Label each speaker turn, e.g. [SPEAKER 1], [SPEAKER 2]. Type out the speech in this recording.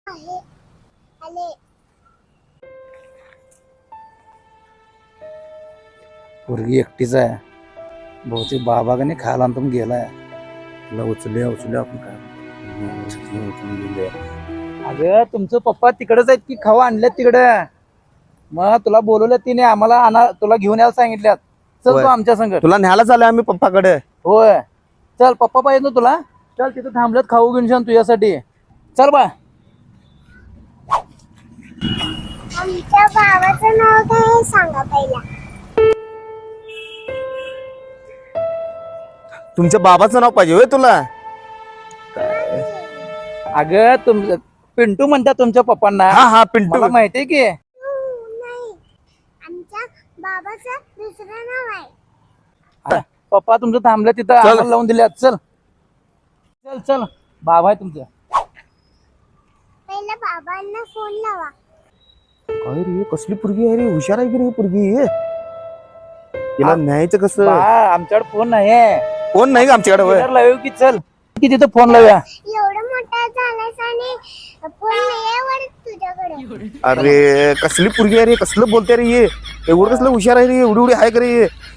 [SPEAKER 1] आहे आले
[SPEAKER 2] पोरगी एकटीच आहे. बहुतेक बाबा का नाही खायला आणून गेलाय. तुला उचलूया आपण काय. अगं तुमचं पप्पा तिकडेच आहेत की खावा आणल्यात तिकडे. मग तुला बोलवलं तिने आम्हाला तुला घेऊन यायला सांगितल्यात. चल
[SPEAKER 3] होय.
[SPEAKER 2] तू आमच्या संग.
[SPEAKER 3] तुला न्यायला चाललोय आम्ही पप्पाकडे.
[SPEAKER 2] होय चल पप्पा पाहिजे ना तुला. चल तिथं थांबल्यात खाऊ घेऊन छान तुझ्यासाठी. चल बा.
[SPEAKER 1] आमच्या भावाचं नाव काय आहे सांगा पहिला.
[SPEAKER 3] तुमच्या बाबाचं नाव पाहिजे होय तुला.
[SPEAKER 2] अगं पिंटू म्हणतात तुमच्या पप्पांना.
[SPEAKER 3] हा पिंटू.
[SPEAKER 2] मला माहितीये की.
[SPEAKER 1] नाही आमच्या बाबाचं दुसरं नाव आहे.
[SPEAKER 2] पप्पा तुमचं थांबलं तिथं आम्हाला लावून दिल्यात. चल चल चल बाबा आहे तुमचं.
[SPEAKER 1] पहिला बाबांना फोन लावा.
[SPEAKER 3] काय रे कसली पुरगी आहे रे. हुशार आहे की रे पुरगी. तिला न्यायचं कसं.
[SPEAKER 2] आमच्याकडे फोन नाही.
[SPEAKER 3] कोण नाही का आमच्याकडे होय.
[SPEAKER 2] लावू की चल की तिथं फोन लावूया.
[SPEAKER 1] एवढं मोठा झालास आणि फोन नाही वाटत तुझ्याकडे.
[SPEAKER 3] अरे कसली पुरगी आहे रे. कसलं बोलते रे ये. एवढं कसलं हुशार आहे रे. एवढी आहे का रे.